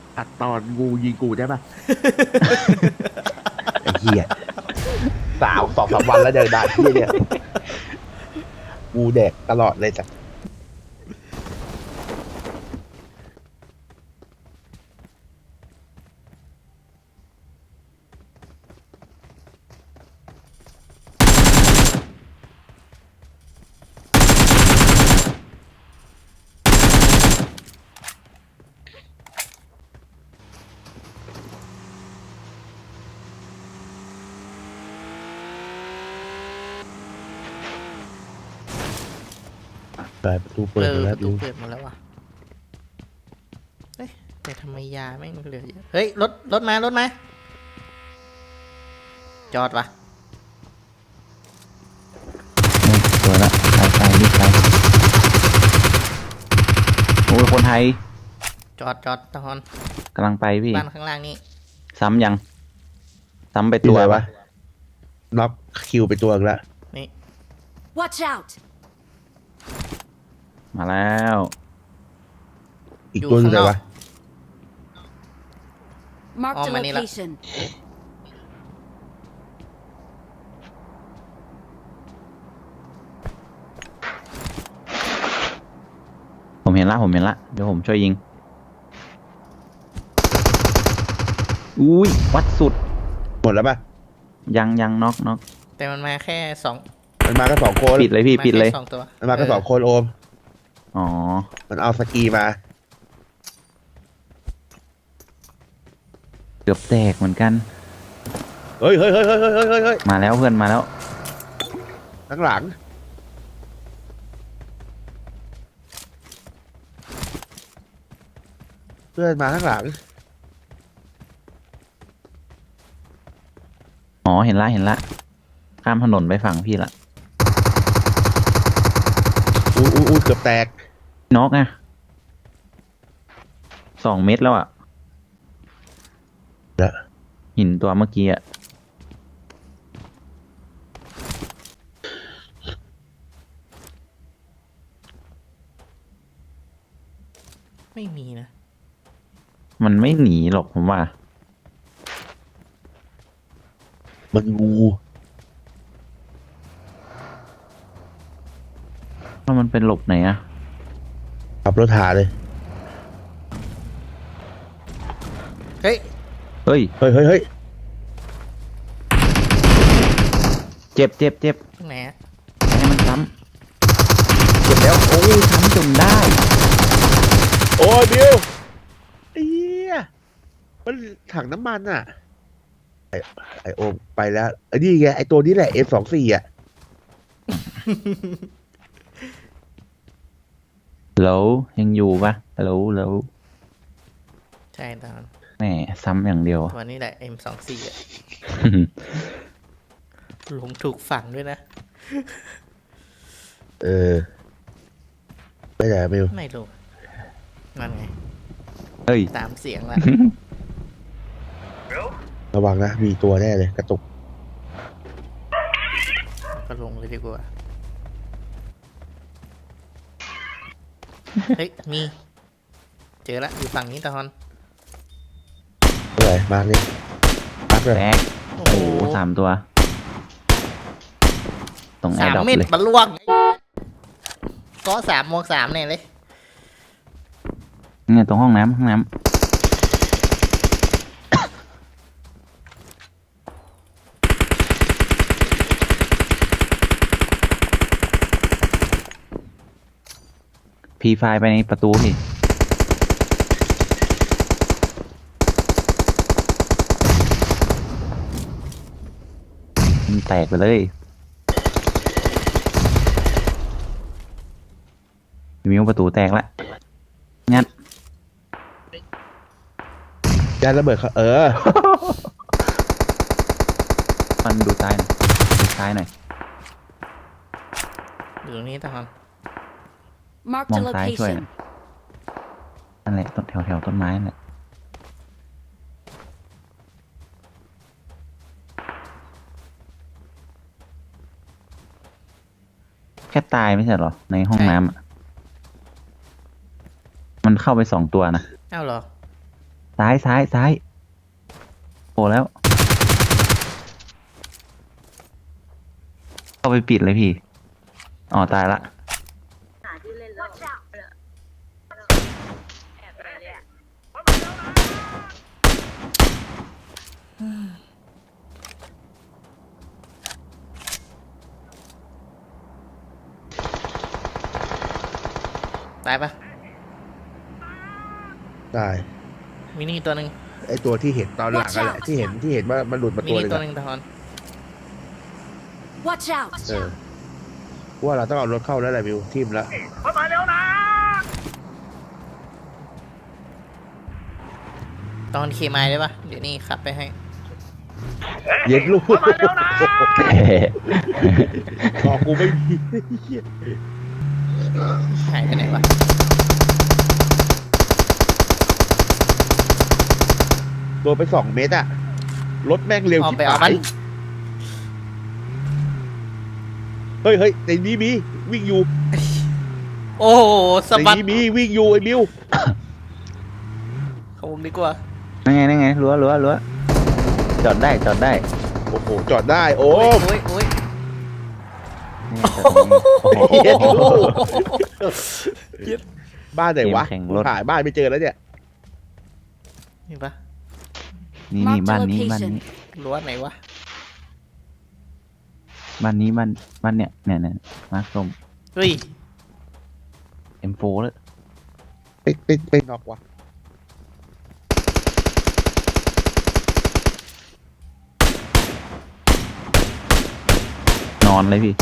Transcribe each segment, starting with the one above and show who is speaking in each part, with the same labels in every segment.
Speaker 1: อัดตอนงูยิงกูได้ปะ
Speaker 2: ไอ้เหี้ย2-3 วันแล้วเดินด่าเหี้ยเนี่ยกูแดกตลอดเลยสัตว์ประตูเปิดหมด
Speaker 3: ป
Speaker 2: แล้ว
Speaker 3: ระตูเปิดหมดแล้วว่ะเฮ้ยแต่ทำไมยาแม่งเหลือเยอะเฮ้ยรถมาจอดวะ
Speaker 4: สวยละไปรีบไปโอ้ยคนไทย
Speaker 3: จอดตอน
Speaker 4: กำลังไปพี่
Speaker 3: บ้านข้างล่างนี่
Speaker 4: ซ้ำยัง ซ้ำไป
Speaker 2: ตั
Speaker 4: ตัว ว
Speaker 2: วะน็อกคิวไปตัวอีกแล้ว
Speaker 3: นี่
Speaker 5: Watch out!
Speaker 4: มาแล้ว
Speaker 2: อีกตัวอยู่ไหนวะ
Speaker 5: Marked a
Speaker 3: Oh, Manila.
Speaker 5: location.
Speaker 4: ผมเห็นละเดี๋ยวผมช่วยยิง อุ้ยวัดสุด
Speaker 2: หมดแล้วป่ะ
Speaker 4: ยังน็อก
Speaker 3: แต่มันมาแค่สอง
Speaker 2: มันมาก็2 คน
Speaker 4: ปิดเลยพี่
Speaker 3: มา
Speaker 4: ปิดเลย
Speaker 3: แค่สองตัว
Speaker 2: มันมาก็2 คนโอม
Speaker 4: อ๋อ
Speaker 2: มันเอาสกีมา
Speaker 4: เกือบแตกเหมือนกัน
Speaker 2: เฮ้ย
Speaker 4: มาแล้วเพื่อนมาแล้ว
Speaker 2: ข้างหลังเพื่อนมาข้างหลัง
Speaker 4: อ๋อเห็นละข้ามถนนไปฝั่งพี่ละ
Speaker 2: อู้เกือบแตก
Speaker 4: น็อกไง2 เม็ดแล้วอ่ะ
Speaker 2: แล้ว
Speaker 4: หินตัวเมื่อกี้อ่ะ
Speaker 3: ไม่มีนะ
Speaker 4: มันไม่หนีหรอกผมว่า
Speaker 2: มันงู
Speaker 4: ว่ามันเป็นหลบไหนอ่ะ
Speaker 2: ขับรถหาเลย
Speaker 3: เฮ้ย
Speaker 4: เฮ้ย
Speaker 2: เฮ้ย
Speaker 4: เจ็บ
Speaker 3: ตรงไหนอะ
Speaker 4: ให้มันซ้ำเจ็บแล้ว โอ้ยซ้ำจนได้
Speaker 2: โอ้ยบิวไอ้เหี้ยมันถังน้ำมันอ่ะ ไอโอมไปแล้วไอ้นี่ไงไอตัวนี้แหละ F24อ่ะ
Speaker 4: แล้วยังอยู่ปะแล้ว
Speaker 3: ใช่ตอน
Speaker 4: แหมซ้ำอย่างเดียว
Speaker 3: วันนี้แหละ M24 อะหลงถูกฝังด้วยนะ
Speaker 2: เออไม่ไหนบิว
Speaker 3: ไม่รู้นั่นไง
Speaker 4: เฮ้ย
Speaker 3: ตามเสียงละ
Speaker 2: ระวังนะ มีตัวแน่เลยกระตุก
Speaker 3: ก็ลงเลยดีกว่า เฮ้ย มี เจอละอยู่ฝั่งนี้ตอน
Speaker 2: อะไรมาร์กเลยมาร์กเลย
Speaker 4: แตก
Speaker 3: โอ้
Speaker 4: โอ้
Speaker 3: โห
Speaker 4: โห3 ตัว ตรงแอ
Speaker 3: สา
Speaker 4: ร์
Speaker 3: ม
Speaker 4: ดรอป
Speaker 3: เม็ด
Speaker 4: เลย
Speaker 3: บรรลวงก็3 หมวก 3เนี่ยเลย
Speaker 4: เนี่ยตรงห้องน้ำพีไฟไปในประตูพี่มันแตกไปเลยมิวประตูแตกละงัด
Speaker 2: ยานระเบิดเขา
Speaker 4: มันดูซ้ายหน่อย
Speaker 3: อยู่ตรงนี้ตอน
Speaker 5: Marked
Speaker 4: ม
Speaker 5: a
Speaker 4: องซ้ายช่วย
Speaker 5: location.
Speaker 4: นั่นแหละต้นแถวต้นไม้นั่นแหละแค่ตายไม่ใช่เหรอ ในห้องน้ำอะมันเข้าไป2 ตัวนะ
Speaker 3: อ้าวเหรอ
Speaker 4: ใซ้ายโอ้แล้วเข้าไปปิดเลยพี่อ๋อตายละ
Speaker 5: Watch out!
Speaker 3: ตายปะ
Speaker 2: ได้
Speaker 3: มินิตัวหนึ่ง
Speaker 2: ไอตัวที่เห็นตอนหลังกันแหละที่เห็นว่ามันหลุดมา
Speaker 3: มิ
Speaker 2: ตัว
Speaker 3: นิ
Speaker 2: หนึง
Speaker 3: ตัว
Speaker 2: อะ
Speaker 3: หนึ่งทอน
Speaker 5: Watch out!
Speaker 2: ว่าเราต้องเอารถเข้าแล้วแหละมิวทีมละ
Speaker 3: ตอนเคมายได้ปะเดี๋ยวนี้ขับไปให้
Speaker 2: เย็นลูกบอกกูไม่มี
Speaker 3: หายไปไหนวะ
Speaker 2: โดนไป2 เมตรอะรถแม่งเร็ว
Speaker 3: ออก
Speaker 2: ที่
Speaker 3: ไปเอา
Speaker 2: หา
Speaker 3: มัน
Speaker 2: ยเฮ้ยในนี้มีวิ่งอยู่
Speaker 3: โอ้โหสะ
Speaker 2: ใน
Speaker 3: บัด
Speaker 2: นี้มีวิ่งอยู่ไอ้มิว
Speaker 3: เขาวงดีกว่า
Speaker 4: นั่นไงรั้วจอดได้
Speaker 2: โอ้โหจอดได้โอ้
Speaker 3: โอ้ยโอ้ย
Speaker 4: นี่จอดตรงนี้โอ้โห
Speaker 2: เย็นลูกบ้านไหนวะ
Speaker 4: เกมแข่งรถ
Speaker 2: หายบ้านไม่เจอแล้วเนี่ย
Speaker 3: นี่ปะ
Speaker 4: นี่
Speaker 5: Mark the
Speaker 4: บ้านนี้
Speaker 5: location
Speaker 3: รั้วไหนวะ
Speaker 4: บ้านเนี่ยมาร์คส้ม
Speaker 3: เฮ้ย
Speaker 4: M4 แล้ว
Speaker 2: ไปนอกวะ
Speaker 4: นอนเลยพี่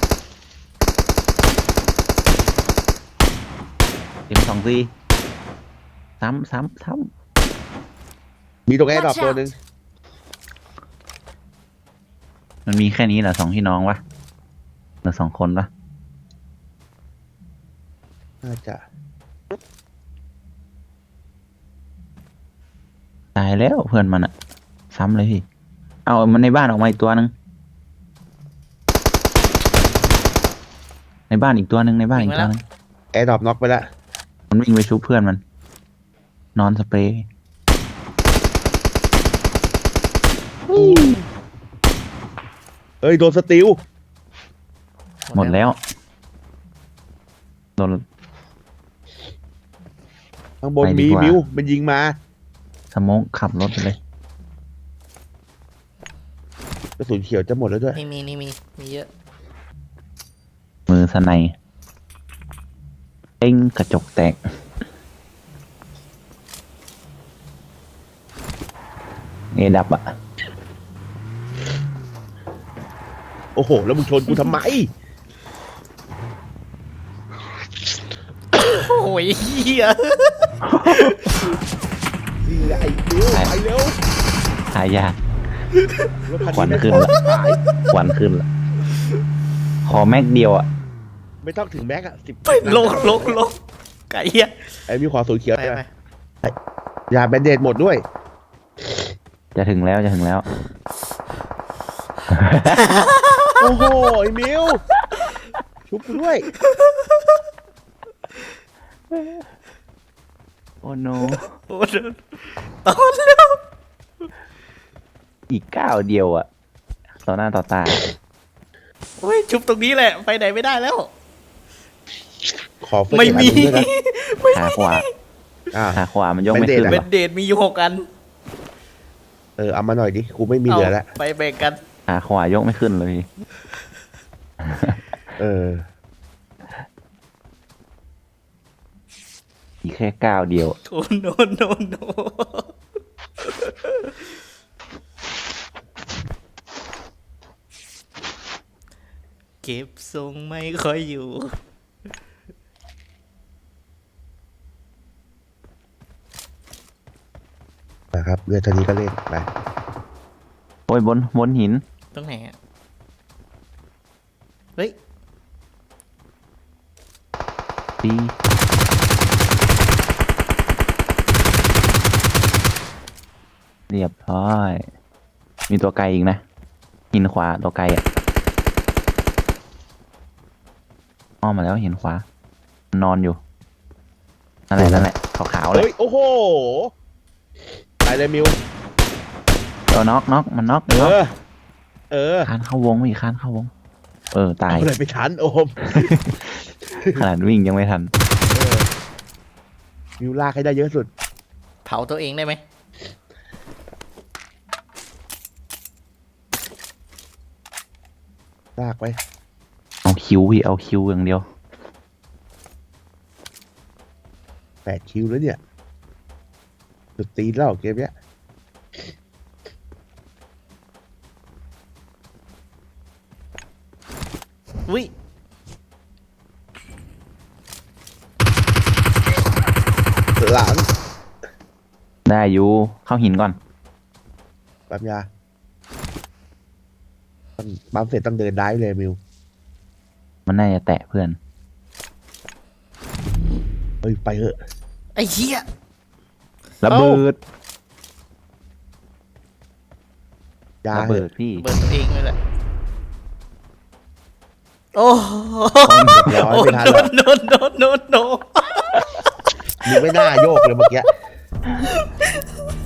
Speaker 4: M24 ซ้ำ
Speaker 2: มีตรงแอร์ดรอปตัวหนึ่ง
Speaker 4: มันมีแค่นี้เหรอ2 พี่น้องวะเหลือ2 คนวะ
Speaker 2: น่าจะ
Speaker 4: ตายแล้วเพื่อนมันอะซ้ำเลยพี่ เอามันในบ้านออกมาอีกตัวหนึงในบ้านอีกตัวหนึง
Speaker 2: แอร์ดรอปน็อกไปแล้ว
Speaker 4: มันวิ่งไปชุบเพื่อนมัน นอนสเปรย์
Speaker 2: เฮ้ยโดนสติล
Speaker 4: หมดแล้วโดน
Speaker 2: ข้างบน
Speaker 4: ไปดี
Speaker 2: มี
Speaker 4: กว่า
Speaker 2: มิวมันยิงมา
Speaker 4: สโมกขับรถไปเลย
Speaker 2: กระสุนเขียวจะหมดแล้วด้วย
Speaker 3: นี่มีเยอะ
Speaker 4: มือสไนเอ็งกระจกแตกเอดับอ่ะ
Speaker 2: โอ้โหแล้วมึงชนกูทำไม
Speaker 3: โอ้ยเฮีย
Speaker 2: นี่แหละไอ้มิวไปเร็ว
Speaker 4: หายาก
Speaker 2: รถคั
Speaker 4: ควัน
Speaker 2: ไม่
Speaker 4: ขึ้น
Speaker 2: พอ
Speaker 4: ละ
Speaker 2: ขาย
Speaker 4: ควันขึ้นละขอแม็กเดียวอ่ะ
Speaker 2: ไม่ต้องถึงแม็กอะ10
Speaker 3: ไปลงไก่เฮีย
Speaker 2: ไอ้มิวขอสูนเขียว
Speaker 3: ไป
Speaker 2: ไปยาแบนเดดหมดด้วย
Speaker 4: จะถึงแล้ว
Speaker 2: โอ้โหไอ้มิวชุบกูด้วย
Speaker 4: โอ้โน
Speaker 3: โอ้เดินตอนแล้ว
Speaker 4: อีกก้าวเดียวอ่ะ ต่อหน้าต่อตา
Speaker 3: โอ้ยชุบตรงนี้แหละไปไหนไม่ได้แล้ว
Speaker 2: ขอเฟิร์ส
Speaker 3: ไม่มี
Speaker 2: เอ็ดอันหนึ่งด้วยนะ
Speaker 4: ขาขวา
Speaker 2: อ่า
Speaker 4: ขาขวามันยกไม่ขึ้น
Speaker 2: Band-Aid
Speaker 3: เบนเดดมีอยู่6 อัน
Speaker 2: เอามาหน่อยดิกูไม่มีเหลือแล้ว
Speaker 3: ไปแบ่งกัน
Speaker 4: ขาขวายกไม่ขึ้นเลย
Speaker 2: เออ
Speaker 4: อีกแค่ก้าวเดียว
Speaker 3: โอ้โนเก็บทรงไม่ค่อยอยู่
Speaker 2: นะครับเรือเท่านี้ก็เล่นไป
Speaker 4: โอ้ยบนหิน
Speaker 3: ตรงไหนอ่ะ เฮ้ย
Speaker 4: ปีเรียบร้อย มีตัวไกลอีกนะ หินขวาตัวไกลอ่ะอ้อมมาแล้วหินขวานอนอยู่ นั่นแหละขาวๆเลย
Speaker 2: เฮ้ย โอ้โหไปเลยมิว
Speaker 4: เอาน็อกมันน็อก
Speaker 2: เอ
Speaker 4: น็อก
Speaker 2: อ เออ
Speaker 4: คานเข้าวงพี่คานเข้าวง ตาย
Speaker 2: เอาเลยไปทันโอม
Speaker 4: ขนาดวิ่งยังไม่ทัน
Speaker 2: เออมิวลากให้ได้เยอะสุด
Speaker 3: เผาตัวเองได้ไหม
Speaker 2: ลากไป
Speaker 4: เอาคิวพี่เอาคิวอย่างเดียว
Speaker 2: 8 คิวแล้วเนี่ยสุดตีนแล้วเกมเนี้ย
Speaker 3: วิ
Speaker 2: หลัง
Speaker 4: ได้อยู่เข้าหินก่อน
Speaker 2: ปั๊มยาปั๊มเสร็จต้องเดินได้เลยมิว
Speaker 4: มันน่าจะแตะเพื่อน
Speaker 2: เฮ้ยไปเถอะ
Speaker 3: ไอ้เหี้ย
Speaker 4: ระเบิด
Speaker 2: ยา
Speaker 4: ระ
Speaker 2: เถ
Speaker 4: เบิ
Speaker 2: อะ
Speaker 4: ดพี่
Speaker 3: เบิร์ตัวเองเลยแหละโอ้โห
Speaker 2: เรียบร้อย
Speaker 3: โอ้
Speaker 2: ไม่ทัน
Speaker 3: โด
Speaker 2: หรอก
Speaker 3: นโดนโดนโดนโดน
Speaker 2: มึงไม่น่าโยกเลยเมื่อกี้